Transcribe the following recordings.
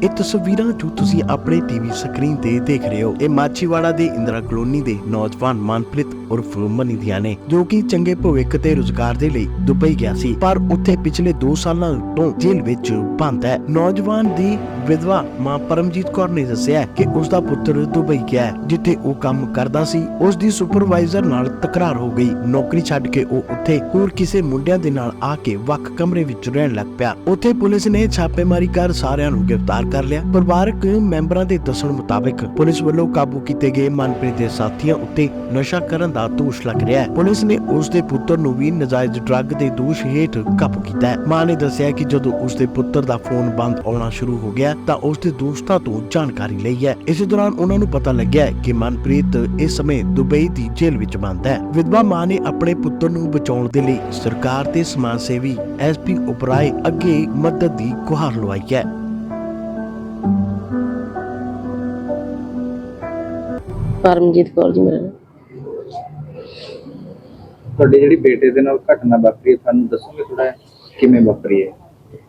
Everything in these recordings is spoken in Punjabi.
ਇਹ ਤਸਵੀਰਾਂ ਜੋ ਤੁਸੀਂ ਆਪਣੇ ਟੀਵੀ ਸਕਰੀਨ ਤੇ ਦੇਖ ਰਹੇ ਹੋ, ਇਹ ਮਾਚੀਵਾੜਾ ਦੇ ਇੰਦਰਾ ਕਲੋਨੀ ਦੇ ਨੌਜਵਾਨ ਮਨਪ੍ਰੀਤ ਉਰਫ ਮਨੀ ਦੀਆਂ ਨੇ, ਜੋ ਕਿ ਚੰਗੇ ਭਵਿੱਖ ਤੇ ਰੁਜ਼ਗਾਰ ਦੇ ਲਈ ਦੁਬਈ ਗਿਆ ਸੀ, ਪਰ ਉੱਥੇ ਪਿਛਲੇ 2 ਸਾਲਾਂ ਤੋਂ ਜੇਲ੍ਹ ਵਿੱਚ ਬੰਦ ਹੈ। ਨੌਜਵਾਨ ਦੀ ਵਿਧਵਾ ਮਾਂ ਪਰਮਜੀਤ ਕੌਰ ਨੇ ਦੱਸਿਆ ਕਿ ਉਸ ਦਾ ਪੁੱਤਰ ਦੁਬਈ ਗਿਆ ਹੈ, ਜਿੱਥੇ ਉਹ ਕੰਮ ਕਰਦਾ ਸੀ। ਉਸ ਦੀ ਸੁਪਰਵਾਈਜ਼ਰ ਨਾਲ ਤਕਰਾਰ ਹੋ ਗਈ। ਨੌਕਰੀ ਛੱਡ ਕੇ ਉਹ ਉੱਥੇ ਹੋਰ ਕਿਸੇ ਮੁੰਡਿਆਂ ਦੇ ਨਾਲ ਆ ਕੇ ਵੱਖ ਕਮਰੇ ਵਿੱਚ ਰਹਿਣ ਲੱਗ ਪਿਆ। ਉੱਥੇ ਪੁਲਿਸ ਨੇ ਛਾਪੇਮਾਰੀ ਕਰ ਸਾਰਿਆਂ ਨੂੰ ਗ੍ਰਿਫਤਾਰ ਕਰ ਲਿਆ। ਪਰਿਵਾਰਕ ਮੈਂਬਰਾਂ ਦੇ ਦੱਸਣ ਮੁਤਾਬਕ ਪੁਲਿਸ ਵੱਲੋਂ ਕਾਬੂ ਕੀਤੇ ਗਏ ਮਨਪ੍ਰੀਤ ਦੇ ਸਾਥੀਆਂ ਉੱਤੇ ਨਸ਼ਾ ਕਰਨ ਦਾ ਦੋਸ਼ ਲੱਗ ਰਿਹਾ ਹੈ। ਪੁਲਿਸ ਨੇ ਉਸ ਦੇ ਪੁੱਤਰ ਨੂੰ ਵੀ ਨਜਾਇਜ਼ ਡਰੱਗ ਦੇ ਦੋਸ਼ ਹੇਠ ਕਾਬੂ ਕੀਤਾ ਹੈ। ਮਾਂ ਨੇ ਦੱਸਿਆ ਕਿ ਜਦੋਂ ਉਸ ਦੇ ਪੁੱਤਰ ਦਾ ਫੋਨ ਬੰਦ ਆਉਣਾ ਸ਼ੁਰੂ ਹੋ ਗਿਆ ਤਾਂ ਉਸ ਦੇ ਦੋਸਤਾਂ ਤੋਂ ਜਾਣਕਾਰੀ ਲਈ ਹੈ। ਇਸੇ ਦੌਰਾਨ ਉਹਨਾਂ ਨੂੰ ਪਤਾ ਲੱਗਿਆ ਕਿ ਮਨਪ੍ਰੀਤ ਇਸ ਸਮੇਂ ਦੁਬਈ ਦੀ ਜੇਲ੍ਹ ਵਿੱਚ ਬੰਦ ਹੈ। ਵਿਧਵਾ ਮਾਂ ਨੇ ਆਪਣੇ ਪੁੱਤਰ ਨੂੰ ਬਚਾਉਣ ਦੇ ਲਈ ਸਰਕਾਰ ਤੇ ਸਮਾਜ ਸੇਵੀ ਐਸਪੀ ਉਪਰਾਏ ਅੱਗੇ ਮਦਦ ਦੀ ਗੁਹਾਰ ਲਗਾਈ ਹੈ। ਪਰਮਜੀਤ ਕੌਰ ਜੀ ਮੇਰਾ ਨਾਮ। ਤੁਹਾਡੇ ਜਿਹੜੀ ਬੇਟੇ ਦੇ ਨਾਲ ਘਟਨਾ ਵਾਪਰੀ ਹੈ, ਸਾਨੂੰ ਦੱਸੋਗੇ ਥੋੜਾ ਕਿਵੇਂ ਵਾਪਰੀ ਹੈ?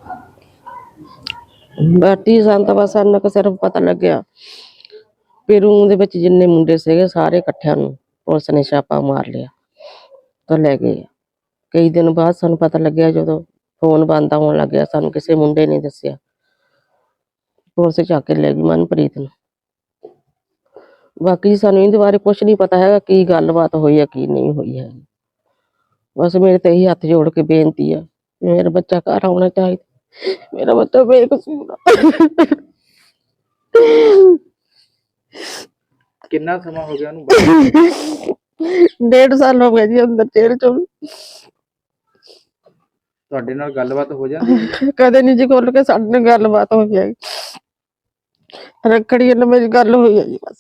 ਬਾਟੀ ਸੰਤ ਬਸ ਸਾਨੂੰ ਕਿ ਸਿਰਫ ਪਤਾ ਲੱਗਿਆ ਵੀ ਰੂਮ ਦੇ ਵਿੱਚ ਜਿੰਨੇ ਮੁੰਡੇ ਸੀਗੇ ਸਾਰੇ ਇਕੱਠਿਆਂ ਨੂੰ ਪੁਲਿਸ ਨੇ ਛਾਪਾ ਮਾਰ ਲਿਆ ਤਾਂ ਲੈ ਗਏ। ਕਈ ਦਿਨ ਬਾਅਦ ਸਾਨੂੰ ਪਤਾ ਲੱਗਿਆ ਜਦੋਂ ਫੋਨ ਬੰਦ ਆਉਣ ਲੱਗਿਆ, ਸਾਨੂੰ ਕਿਸੇ ਮੁੰਡੇ ਨੇ ਦੱਸਿਆ, ਪੁਲਿਸ ਚੱਕ ਕੇ ਲੈ ਗਈ ਮਨਪ੍ਰੀਤ ਨੂੰ। ਬਾਕੀ ਸਾਨੂੰ ਇਹਦੇ ਬਾਰੇ ਕੁਛ ਨਹੀਂ ਪਤਾ ਹੈਗਾ ਕੀ ਗੱਲਬਾਤ ਹੋਈ ਹੈ ਕੀ ਨਹੀਂ ਹੋਈ ਹੈ। ਬਸ ਮੇਰੇ ਤੇ ਇਹੀ ਹੱਥ ਜੋੜ ਕੇ ਬੇਨਤੀ ਆ, ਮੇਰਾ ਬੱਚਾ ਘਰ ਆਉਣਾ ਚਾਹੀਦਾ, ਮੇਰਾ ਬੱਚਾ ਬੇਕਸੂਰ ਆ। ਕਿੰਨਾ ਸਮਾਂ ਹੋ ਗਿਆ ਉਹਨੂੰ? 1.5 ਸਾਲ ਹੋ ਗਏ ਜੀ ਅੰਦਰ ਜੇਲ੍ਹ ਚ। ਤੁਹਾਡੇ ਨਾਲ ਗੱਲਬਾਤ ਹੋ ਜਾਂਦੀ? ਕਦੇ ਨਹੀਂ ਜੀ ਖੁੱਲ ਕੇ ਸਾਡੇ ਨਾਲ ਗੱਲਬਾਤ ਹੋਈ ਹੈ। ਰੱਖੜੀ ਨਾਲ ਮੇਰੀ ਗੱਲ ਹੋਈ ਹੈ ਜੀ ਬਸ।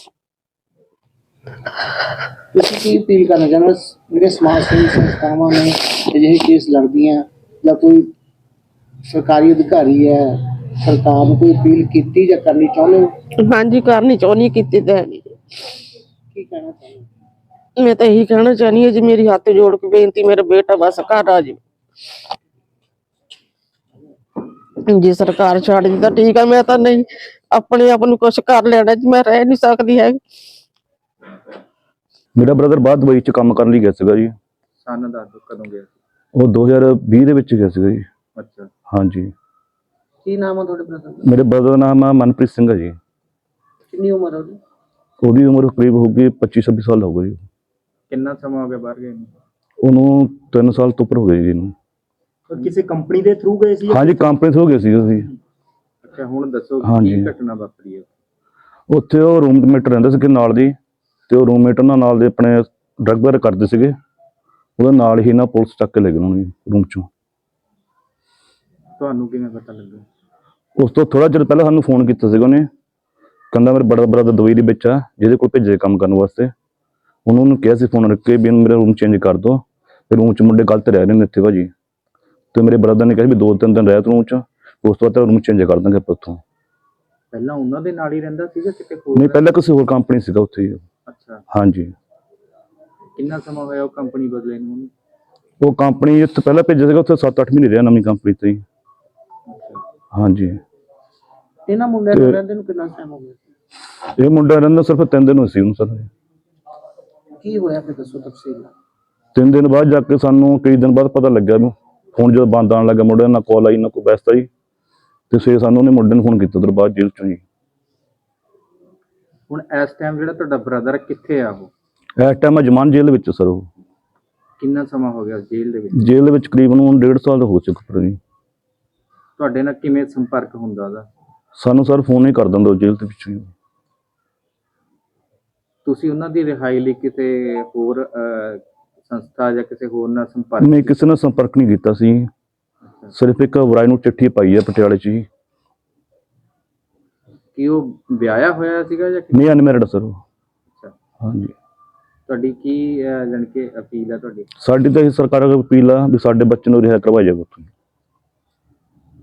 ਤੁਸੀਂ ਕੀ ਅਪੀਲ ਕਰਨਾ ਚਾਹੁੰਦੇ ਹੋ ਜਿਹੜੇ ਸਮਾਜ ਸੇਵੀ ਸੰਸਥਾਵਾਂ ਨੇ ਅਜਿਹੇ ਕੇਸ ਲੜਦੀਆਂ, ਜਾਂ ਕੋਈ ਸਰਕਾਰੀ ਅਧਿਕਾਰੀ ਹੈ, ਸਰਕਾਰ ਨੂੰ ਕੋਈ ਅਪੀਲ ਕੀਤੀ ਜਾਂ ਕਰਨੀ ਚਾਹੁੰਦੇ ਹੋ? ਹਾਂਜੀ ਕਰਨੀ ਚਾਹੁੰਦੀ, ਕੀਤੀ ਤਾਂ ਹੈ ਨਹੀਂ। ਕੀ ਕਹਿਣਾ ਚਾਹੁੰਦੇ ਹੋ? ਮੈਂ ਤਾਂ ਇਹੀ ਕਹਿਣਾ ਚਾਹੁੰਦੀ ਹਾਂ ਜੀ, ਮੇਰੀ ਹੱਥ ਜੋੜ ਕੇ ਬੇਨਤੀ, ਮੇਰਾ ਬੇਟਾ ਬਸ ਘਰ ਆ ਜੀ। ਜੇ ਸਰਕਾਰ ਛੱਡ ਦੀ ਤਾਂ ਠੀਕ ਆ, ਮੈਂ ਤਾਂ ਨਹੀਂ ਆਪਣੇ ਆਪ ਨੂੰ ਕੁਛ ਕਰ ਲੈਣਾ ਜੀ, ਮੈਂ ਰਹਿ ਨਹੀਂ ਸਕਦੀ ਹੈ। ਮੇਰਾ ਬ੍ਰਦਰ ਬਾਹਰ ਦੁਬਈ ਚ ਕੰਮ ਕਰਨ ਲਈ ਗਿਆ ਸੀਗਾ ਜੀ। ਸਨ ਦੱਸ ਦਿਓ ਕਦੋਂ ਗਿਆ? ਉਹ 2020 ਦੇ ਵਿੱਚ ਗਿਆ ਸੀਗਾ ਜੀ। ਅੱਛਾ, ਹਾਂਜੀ। ਕੀ ਨਾਮ ਆ ਤੁਹਾਡੇ ਬ੍ਰਦਰ ਦਾ? ਮੇਰੇ ਬ੍ਰਦਰ ਦਾ ਨਾਮ ਆ ਮਨਪ੍ਰੀਤ ਸਿੰਘ ਹੈ ਜੀ। ਕਿੰਨੀ ਉਮਰ ਹੈ ਉਹਦੀ? ਉਹਦੀ ਉਮਰ ਕਰੀਬ ਹੋਊਗੀ 25-26 ਸਾਲ ਹੋ ਗਈ। ਕਿੰਨਾ ਸਮਾਂ ਹੋ ਗਿਆ ਬਾਹਰ ਗਏ ਨੂੰ? ਉਹਨੂੰ 3 ਸਾਲ ਤੋਂ ਉੱਪਰ ਹੋ ਗਏ ਜੀ ਇਹਨੂੰ। ਕਿਸੇ ਕੰਪਨੀ ਦੇ ਥਰੂ ਗਏ ਸੀ? ਹਾਂਜੀ, ਕੰਪਨੀ ਤੋਂ ਹੋ ਗਏ ਸੀ ਅਸੀਂ। ਅੱਛਾ, ਹੁਣ ਦੱਸੋ ਹਾਂਜੀ। ਕੀ ਘਟਨਾ ਵਾਪਰੀ ਹੈ? ਉੱਥੇ ਉਹ ਰੂਮਮੇਟ ਰਹਿੰਦੇ ਸੀਗੇ ਨਾਲ ਦੀ, ਤੇ ਉਹ ਰੂਮਮੇਟ ਉਹਨਾਂ ਨਾਲ ਦੇ ਆਪਣੇ ਡਰੱਗ ਵਗੈਰਾ ਕਰਦੇ ਸੀਗੇ। ਉਹਦੇ ਨਾਲ ਹੀ ਨਾ ਪੁਲਿਸ ਚੱਕ ਕੇ ਲੈ ਗਏ ਉਹਨੂੰ ਰੂਮ ਚੋਂ। ਤੁਹਾਨੂੰ ਕਿਵੇਂ ਪਤਾ ਲੱਗਾ? ਉਸ ਤੋਂ ਥੋੜਾ ਚਿਰ ਪਹਿਲਾਂ ਸਾਨੂੰ ਫੋਨ ਕੀਤਾ ਸੀਗਾ ਉਹਨੇ, ਕਹਿੰਦਾ ਮੇਰੇ ਬੜਾ ਬ੍ਰਦਰ ਦੁਬਈ ਦੇ ਵਿੱਚ ਆ, ਜਿਹਦੇ ਕੋਲ ਭੇਜੇ ਕੰਮ ਕਰਨ ਵਾਸਤੇ। ਉਹਨੂੰ ਕਿਹਾ ਸੀ ਫੋਨ ਰੱਖ ਕੇ ਵੀ ਇਹਨੂੰ ਮੇਰਾ ਰੂਮ ਚੇਂਜ ਕਰ ਦਿਓ, ਤੇ ਰੂਮ 'ਚ ਮੁੰਡੇ ਗਲਤ ਰਹਿ ਰਹੇ ਨੇ ਇੱਥੇ ਭਾਜੀ। ਤੇ ਮੇਰੇ ਬ੍ਰਦਰ ਨੇ ਕਿਹਾ ਵੀ 2-3 ਦਿਨ ਰਹਿ ਤੂੰ ਰੂਮ 'ਚ, ਉਸ ਤੋਂ ਬਾਅਦ ਰੂਮ ਚੇਂਜ ਕਰ ਦਾਂਗੇ ਆਪਾਂ ਉੱਥੋਂ। ਪਹਿਲਾਂ ਉਹਨਾਂ ਦੇ ਨਾਲ ਹੀ ਰਹਿੰਦਾ ਸੀਗਾ ਕਿਤੇ ਹੋਰ? ਨਹੀਂ, ਪਹਿਲਾਂ ਕਿਸੇ ਹੋਰ ਕੰਪਨੀ ਸੀਗਾ ਉੱਥੇ ਹੀ। ਅੱਛਾ, ਹਾਂਜੀ। ਕਿੰਨਾ ਸਮਾਂ ਹੋਇਆ ਉਹ ਕੰਪਨੀ ਬਦਲੇ ਨੂੰ? ਉਹ ਕੰਪਨੀ ਇੱਥੇ ਪਹਿਲਾਂ ਭੇਜਿਆ ਸੀਗਾ, ਉੱਥੇ 7-8 ਮਹੀਨੇ ਰਿਹਾ ਨਵੀਂ ਕੰਪਨੀ ਤੇ ਹੀ। ਹਾਂਜੀ। ਇਹਨਾਂ ਮੁੰਡਿਆਂ ਨੂੰ ਰਹਿੰਦੇ ਨੂੰ ਕਿੰਨਾ ਟਾਈਮ ਹੋ ਗਿਆ? ਇਹ ਮੁੰਡਾ ਰਹਿੰਦਾ ਸਿਰਫ 3 ਦਿਨ ਹੋਏ ਸੀ ਉਹਨੂੰ ਸਰ। ਕੀ ਹੋਇਆ ਫਿਰ ਦੱਸੋ ਤਫਸੀਲ। 3 ਦਿਨ ਬਾਅਦ ਜਾ ਕੇ ਸਾਨੂੰ ਕਈ ਦਿਨ ਬਾਅਦ ਪਤਾ ਲੱਗਿਆ ਵੀ ਫੋਨ ਜਦੋਂ ਬੰਦ ਆਉਣ ਲੱਗਾ, ਮੁੰਡੇ ਨਾਲ ਕਾਲ ਆਈ ਨਾ ਕੋਈ ਬੈਸਤ ਆਈ, ਤੇ ਫਿਰ ਸਾਨੂੰ ਉਹਨੇ ਮੁੰਡੇ ਨੂੰ ਫੋਨ ਕੀਤਾ ਉਧਰ ਬਾਅਦ ਜੇਲ੍ਹ ਚੋਂ ਜੀ। ਹੁਣ ਇਸ ਟਾਈਮ ਜਿਹੜਾ ਤੁਹਾਡਾ ਬ੍ਰਦਰ ਕਿੱਥੇ ਆ? ਉਹ ਇਸ ਟਾਈਮ ਜਮਾਨ ਜੇਲ੍ਹ ਵਿੱਚ ਸਰ। ਉਹ ਕਿੰਨਾ ਸਮਾਂ ਹੋ ਗਿਆ ਜੇਲ੍ਹ ਦੇ ਵਿੱਚ? ਜੇਲ੍ਹ ਦੇ ਵਿੱਚ ਕਰੀਬਨ 1.5 ਸਾਲ ਹੋ ਚੁੱਕਾ ਜੀ। ਤੁਹਾਡੇ ਨਾਲ ਕਿਵੇਂ ਸੰਪਰਕ ਹੁੰਦਾ ਉਹਦਾ? ਸਾਨੂੰ ਸਰ ਫੋਨ ਹੀ ਕਰ ਦਿੰਦਾ ਜੇਲ੍ਹ ਦੇ ਵਿੱਚੋਂ ਹੀ। ਤੁਸੀਂ ਉਹਨਾਂ ਦੀ ਰਿਹਾਈ ਲਈ ਕਿਸੇ ਹੋਰ ਸੰਸਥਾ ਜਾਂ ਕਿਸੇ ਹੋਰ ਨਾਲ ਸੰਪਰਕ? ਨਹੀਂ, ਕਿਸੇ ਨਾਲ ਸੰਪਰਕ ਨਹੀਂ ਕੀਤਾ ਸੀ। ਸਿਰਫ ਇੱਕ ਵਰਾਈ ਨੂੰ ਚਿੱਠੀ ਪਾਈ ਹੈ ਪਟਿਆਲੇ 'ਚ ਹੀ। ਕੀ ਉਹ ਵਿਆਹਿਆ ਹੋਇਆ ਸੀਗਾ ਜਾਂ ਨਹੀਂ, ਅਨਮੈਰਿਡ ਸਰ ਉਹ। ਅੱਛਾ, ਹਾਂਜੀ। ਤੁਹਾਡੀ ਕੀ ਜਾਣੀ ਕਿ ਅਪੀਲ ਹੈ ਤੁਹਾਡੀ? ਸਾਡੀ ਤਾਂ ਇਹ ਸਰਕਾਰ ਅੱਗੇ ਅਪੀਲ ਆ ਵੀ ਸਾਡੇ ਬੱਚੇ ਨੂੰ ਰਿਹਾ ਕਰਵਾਇਆ ਜਾਵੇ ਉੱਥੋਂ।